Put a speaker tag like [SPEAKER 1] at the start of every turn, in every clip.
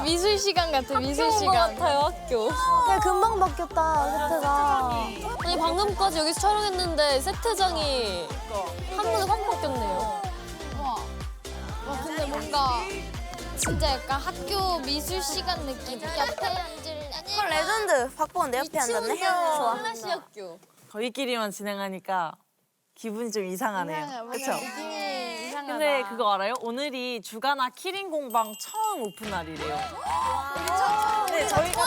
[SPEAKER 1] 미술 시간 같아, 미술 시간.
[SPEAKER 2] 같아요, 학교.
[SPEAKER 3] 야, 금방 바뀌었다, 세트가.
[SPEAKER 2] 아니, 방금까지 여기서 촬영했는데 세트장이 한 번에 확 바뀌었네요.
[SPEAKER 1] 와, 근데 뭔가 진짜 약간 학교 미술 시간 느낌. 옆에 앉을.
[SPEAKER 3] 레전드. 박보은 내 옆에 앉았네. 좋아.
[SPEAKER 2] 클래시 학교.
[SPEAKER 4] 저희끼리만 진행하니까 기분이 좀 이상하네요. 그렇죠?
[SPEAKER 1] 느낌이 이상하다.
[SPEAKER 4] 근데 그거 알아요? 오늘이 주가나 키링 공방 처음 오픈 날이래요. 네, 저희가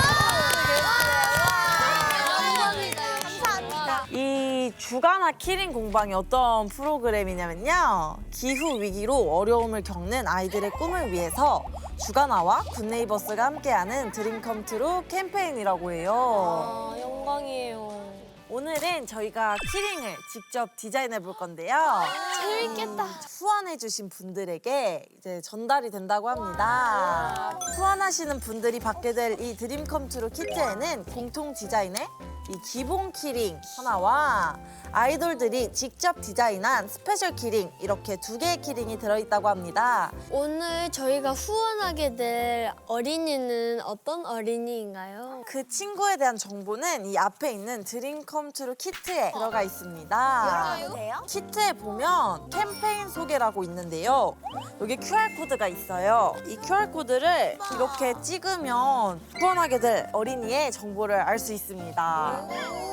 [SPEAKER 1] 감사합니다.
[SPEAKER 4] 이 주가나 키링 공방이 어떤 프로그램이냐면요. 기후 위기로 어려움을 겪는 아이들의 꿈을 위해서 주가나와 굿네이버스가 함께하는 드림컴트루 캠페인이라고 해요.
[SPEAKER 2] 아, 영광이에요.
[SPEAKER 4] 오늘은 저희가 키링을 직접 디자인해 볼 건데요.
[SPEAKER 1] 재밌겠다.
[SPEAKER 4] 후원해주신 분들에게 이제 전달이 된다고 합니다. 후원하시는 분들이 받게 될 이 드림컴트루 키트에는 공통 디자인의 이 기본 키링 하나와 아이돌들이 직접 디자인한 스페셜 키링 이렇게 2개의 키링이 들어있다고 합니다.
[SPEAKER 1] 오늘 저희가 후원하게 될 어린이는 어떤 어린이인가요?
[SPEAKER 4] 그 친구에 대한 정보는 이 앞에 있는 드림컴트루 키트에 들어가 있습니다.
[SPEAKER 3] 열어도 돼요?
[SPEAKER 4] 키트에 보면 캠페인 소개라고 있는데요. 여기 QR코드가 있어요. 이 QR코드를 이렇게 찍으면 후원하게 될 어린이의 정보를 알 수 있습니다.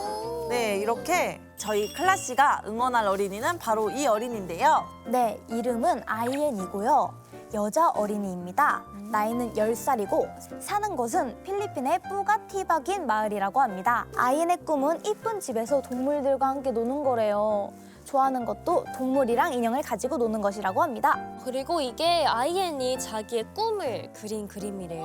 [SPEAKER 4] 네, 이렇게 저희 클라씨가 응원할 어린이는 바로 이 어린이인데요.
[SPEAKER 3] 네, 이름은 아이엔이고요. 여자 어린이입니다. 나이는 10살이고 사는 곳은 필리핀의 뿌가티박인 마을이라고 합니다. 아이엔의 꿈은 이쁜 집에서 동물들과 함께 노는 거래요. 좋아하는 것도 동물이랑 인형을 가지고 노는 것이라고 합니다.
[SPEAKER 2] 그리고 이게 아이엔이 자기의 꿈을 그린 그림이래요.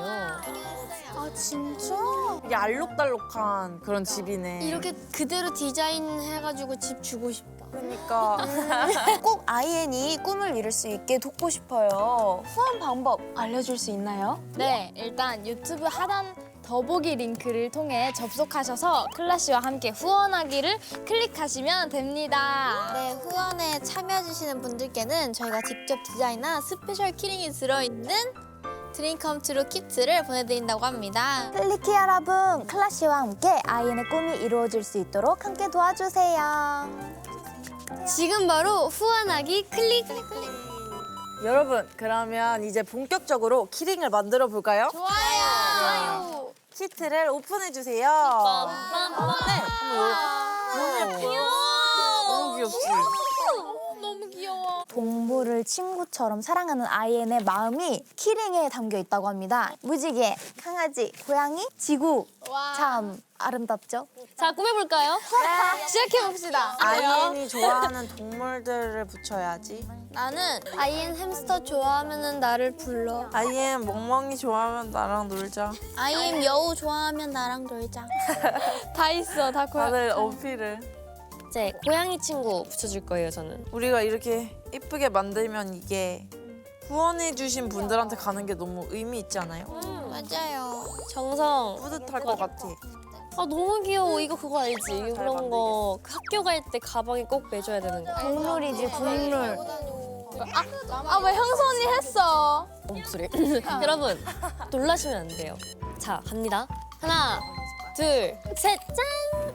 [SPEAKER 1] 아, 진짜?
[SPEAKER 4] 이게 알록달록한 그런 집이네.
[SPEAKER 1] 이렇게 그대로 디자인해가지고 집 주고 싶다.
[SPEAKER 4] 그러니까
[SPEAKER 3] 꼭 아이엔이 꿈을 이룰 수 있게 돕고 싶어요. 후원 방법 알려줄 수 있나요?
[SPEAKER 1] 네, 일단 유튜브 하단 더보기 링크를 통해 접속하셔서 클라씨와 함께 후원하기를 클릭하시면 됩니다. 네, 후원에 참여해주시는 분들께는 저희가 직접 디자인한 스페셜 키링이 들어있는 드림컴트루 키트를 보내드린다고 합니다.
[SPEAKER 3] 클리키 여러분, 클라씨와 함께 아이엔의 꿈이 이루어질 수 있도록 함께 도와주세요.
[SPEAKER 1] 지금 바로 후원하기 클릭!
[SPEAKER 4] 여러분 그러면 이제 본격적으로 키링을 만들어 볼까요?
[SPEAKER 1] 좋아요!
[SPEAKER 4] 키트를 오픈해 주세요. 네, 한번
[SPEAKER 2] 귀여워.
[SPEAKER 4] 너무 귀엽지?
[SPEAKER 1] 너무 귀여워.
[SPEAKER 3] 동물을 친구처럼 사랑하는 아이엔의 마음이 키링에 담겨 있다고 합니다. 무지개, 강아지, 고양이, 지구.
[SPEAKER 1] 와.
[SPEAKER 3] 참 아름답죠?
[SPEAKER 2] 자, 꾸며볼까요?
[SPEAKER 1] 시작해봅시다.
[SPEAKER 4] 아이엔이 좋아하는 동물들을 붙여야지.
[SPEAKER 1] 나는 아이엔 햄스터 좋아하면 나를 불러.
[SPEAKER 4] 아이엔 멍멍이 좋아하면 나랑 놀자.
[SPEAKER 1] 아이엔 여우 좋아하면 나랑 놀자. 다 있어, 다
[SPEAKER 4] 다들 어필을.
[SPEAKER 2] 이제 고양이 친구 붙여줄 거예요, 저는.
[SPEAKER 4] 우리가 이렇게 이쁘게 만들면 이게 후원해주신 분들한테 가는 게 너무 의미 있지 않아요?
[SPEAKER 1] 맞아요.
[SPEAKER 2] 정성.
[SPEAKER 4] 뿌듯할 것 같아.
[SPEAKER 2] 아, 너무 귀여워. 이거 그거 알지? 그런 거 학교 갈 때 가방에 꼭 매줘야 되는 거.
[SPEAKER 3] 동물이지, 동물.
[SPEAKER 1] 왜 형수 언니 했어?
[SPEAKER 2] 목소리. 여러분, 놀라시면 안 돼요. 자, 갑니다. 하나, 둘, 셋, 짠!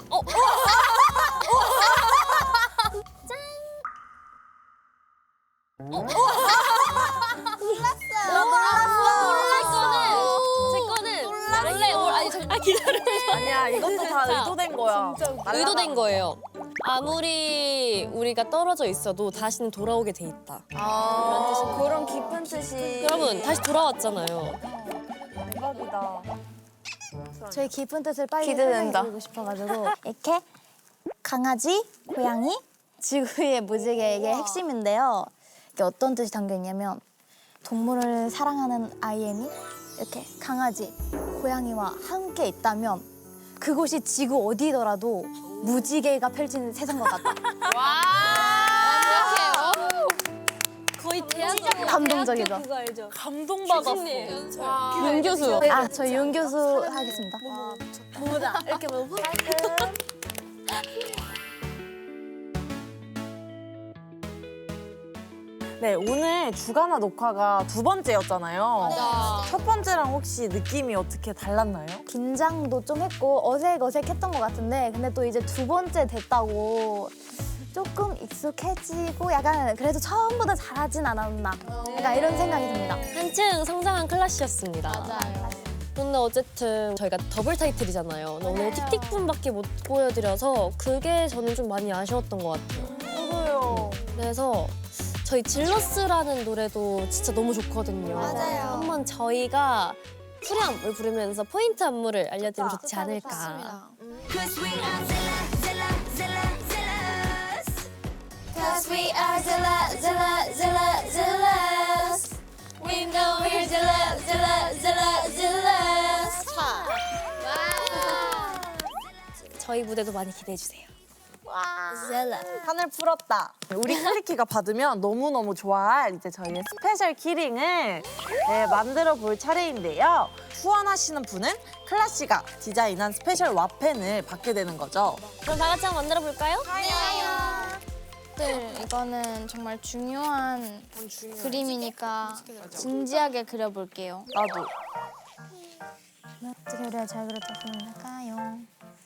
[SPEAKER 2] 제 거는 원래 기다려.
[SPEAKER 4] 아니야, 이것도 다
[SPEAKER 2] 자,
[SPEAKER 4] 의도된 거야.
[SPEAKER 2] 의도된 거예요. 아무리 우리가 떨어져 있어도 다시는 돌아오게 돼 있다.
[SPEAKER 3] 그런 깊은 뜻이.
[SPEAKER 2] 여러분, 다시 돌아왔잖아요.
[SPEAKER 4] 대박이다.
[SPEAKER 3] 저희 깊은 뜻을 빨리
[SPEAKER 1] 기대된다.
[SPEAKER 3] 설명해드리고 싶어가지고 이렇게 강아지, 고양이, 지구의 무지개 이게 핵심인데요. 이게 어떤 뜻이 담겨 있냐면 동물을 사랑하는 아이엔이 이렇게 강아지, 고양이와 함께 있다면 그곳이 지구 어디더라도 무지개가 펼치는 세상과 같다.
[SPEAKER 1] 완벽해요.
[SPEAKER 2] 거의 대학
[SPEAKER 3] 감동적이죠?
[SPEAKER 2] 그거 알죠?
[SPEAKER 4] 감동받았어.
[SPEAKER 2] 윤 교수.
[SPEAKER 3] 아, 저 윤 교수 하겠습니다.
[SPEAKER 2] 뭐다 이렇게 보고.
[SPEAKER 4] 네, 오늘 주간화 녹화가 2번째였잖아요. 첫 번째랑 혹시 느낌이 어떻게 달랐나요?
[SPEAKER 3] 긴장도 좀 했고 어색했던 것 같은데 근데 또 이제 2번째 됐다고 조금 익숙해지고 약간 그래도 처음보다 잘하진 않았나 약간 이런 생각이 듭니다.
[SPEAKER 2] 한층 성장한 클래시였습니다.
[SPEAKER 1] 맞아요.
[SPEAKER 2] 근데 어쨌든 저희가 더블 타이틀이잖아요. 근데 오늘 틱틱분밖에 못 보여드려서 그게 저는 좀 많이 아쉬웠던 것 같아요.
[SPEAKER 4] 저도요.
[SPEAKER 2] 그래서 저희 질러스라는 노래도 진짜 너무 좋거든요.
[SPEAKER 1] 맞아요.
[SPEAKER 2] 한번 저희가 후렴을 부르면서 포인트 안무를 알려드리면 좋지 않을까.
[SPEAKER 1] Cause we are zealous. We know we're zealous.
[SPEAKER 2] 저희 무대도 많이 기대해주세요.
[SPEAKER 4] 판을 풀었다. 우리 클리키가 받으면 너무너무 좋아할 이제 저희의 스페셜 키링을 만들어 볼 차례인데요. 후원하시는 분은 클라시가 디자인한 스페셜 와펜을 받게 되는 거죠.
[SPEAKER 2] 그럼 다 같이 한번 만들어 볼까요?
[SPEAKER 1] 네, 이거는 정말 중요한 그림이니까 진지하게 그려볼게요.
[SPEAKER 4] 나도.
[SPEAKER 3] 어떻게 그려야 잘 그렸다고 할까요?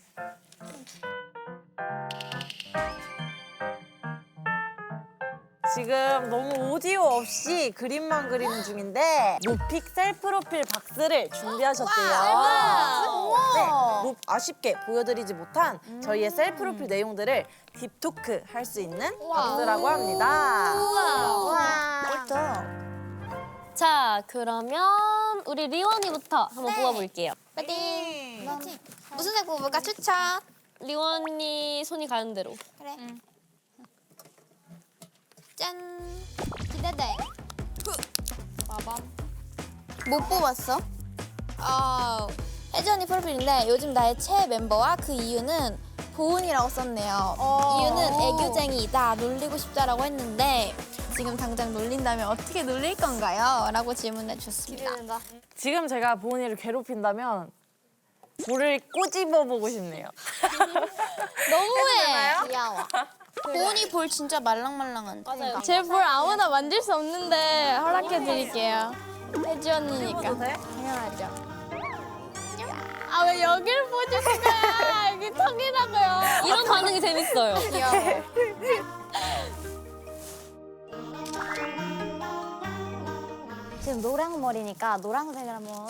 [SPEAKER 4] 지금 너무 오디오 없이 그림만 그리는 중인데 루픽 셀프 프로필 박스를 준비하셨대요. 네, 아쉽게 보여드리지 못한 저희의 셀프 프로필 내용들을 딥토크 할 수 있는 박스라고 합니다.
[SPEAKER 3] 또
[SPEAKER 2] 자, 그러면 우리 리원이부터 한번 뽑아볼게요.
[SPEAKER 1] 파이팅! 무슨 색 뽑을까? 추천!
[SPEAKER 2] 리원이 손이 가는 대로.
[SPEAKER 1] 그래. 짠! 기대돼. 빠밤. 못 뽑았어? 혜지 언니 프로필인데 요즘 나의 최애 멤버와 그 이유는 보은이라고 썼네요. 이유는 애교쟁이이다, 놀리고 싶다라고 했는데 지금 당장 놀린다면 어떻게 놀릴 건가요? 라고 질문해 주셨습니다.
[SPEAKER 4] 지금 제가 보은이를 괴롭힌다면 볼을 꼬집어 보고 싶네요.
[SPEAKER 1] 너무해! 귀여워. 보은이 볼 진짜 말랑말랑한. 맞아요. 제 볼 아무나 만질 수 없는데 허락해 드릴게요. 혜지 언니니까. 당연하죠. 아, 왜 여길 보여주는 거야? 여기 턱이라고요.
[SPEAKER 2] 이런 반응이 재밌어요.
[SPEAKER 1] 귀여워.
[SPEAKER 3] 지금 노랑 머리니까 노란색을 한번.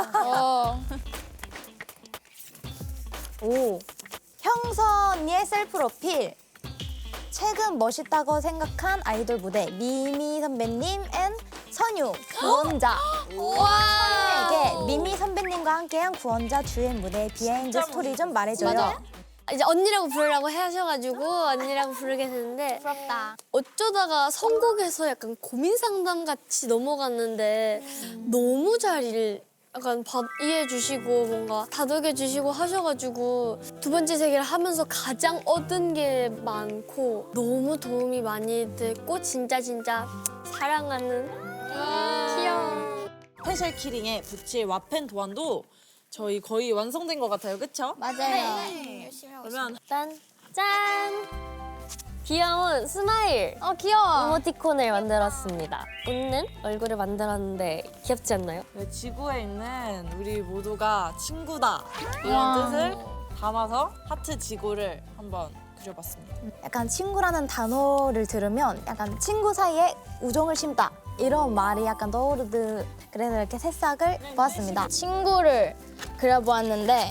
[SPEAKER 4] 오,
[SPEAKER 3] 형선이의 셀프 프로필. 최근 멋있다고 생각한 아이돌 무대 미미 선배님 앤 선유 구원자. 선유에게 미미 선배님과 함께한 구원자 주연 무대 비하인드 스토리 좀 말해줘요.
[SPEAKER 1] 맞아.
[SPEAKER 2] 이제 언니라고 부르라고 하셔가지고 언니라고 부르게 됐는데
[SPEAKER 1] 부럽다.
[SPEAKER 2] 어쩌다가 선곡에서 약간 고민 상담 같이 넘어갔는데 너무 약간 이해해 주시고 뭔가 다독여 주시고 하셔가지고 두 번째 세계를 하면서 가장 얻은 게 많고 너무 도움이 많이 됐고 진짜 사랑하는 귀여워.
[SPEAKER 4] 스페셜 키링에 붙일 와펜 도안도 저희 거의 완성된 것 같아요, 그쵸?
[SPEAKER 1] 맞아요. 열심히 하고 있어요.
[SPEAKER 4] 그러면
[SPEAKER 2] 짠! 귀여운 스마일
[SPEAKER 1] 귀여워.
[SPEAKER 2] 이모티콘을 만들었습니다. 웃는 얼굴을 만들었는데 귀엽지 않나요?
[SPEAKER 4] 네, 지구에 있는 우리 모두가 친구다
[SPEAKER 1] 우와.
[SPEAKER 4] 이런 뜻을 담아서 하트 지구를 한번 그려봤습니다.
[SPEAKER 3] 약간 친구라는 단어를 들으면 약간 친구 사이에 우정을 심다 이런 말이 약간 떠오르듯 그래서 이렇게 새싹을 보았습니다.
[SPEAKER 1] 친구를 그려보았는데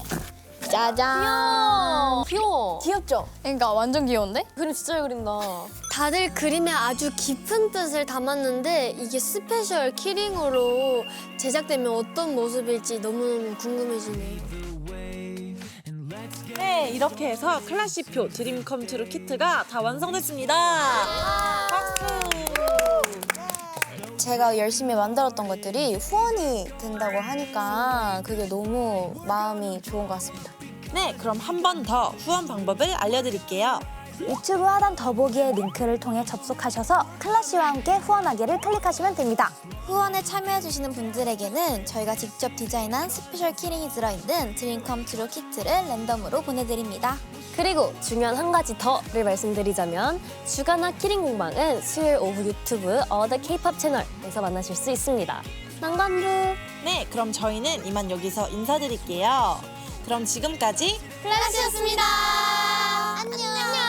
[SPEAKER 1] 짜잔.
[SPEAKER 2] 귀여워.
[SPEAKER 3] 귀엽죠?
[SPEAKER 1] 그러니까 완전 귀여운데?
[SPEAKER 2] 그림 진짜 잘 그린다. 다들 그림에 아주 깊은 뜻을 담았는데 이게 스페셜 키링으로 제작되면 어떤 모습일지 너무너무 궁금해지네요.
[SPEAKER 4] 네, 이렇게 해서 클래시표 드림 컴투루 키트가 다 완성됐습니다. 박수!
[SPEAKER 3] 제가 열심히 만들었던 것들이 후원이 된다고 하니까 그게 너무 마음이 좋은 것 같습니다.
[SPEAKER 4] 네, 그럼 한 번 더 후원 방법을 알려드릴게요.
[SPEAKER 3] 유튜브 하단 더보기의 링크를 통해 접속하셔서 클라시와 함께 후원하기를 클릭하시면 됩니다.
[SPEAKER 1] 후원에 참여해주시는 분들에게는 저희가 직접 디자인한 스페셜 키링이 들어있는 드림컴트루 키트를 랜덤으로 보내드립니다.
[SPEAKER 2] 그리고 중요한 한 가지 더를 말씀드리자면 주간화 키링 공방은 수요일 오후 유튜브 어더 K-pop 채널에서 만나실 수 있습니다. 난간부.
[SPEAKER 4] 네, 그럼 저희는 이만 여기서 인사드릴게요. 그럼 지금까지
[SPEAKER 1] 클라시였습니다. 안녕.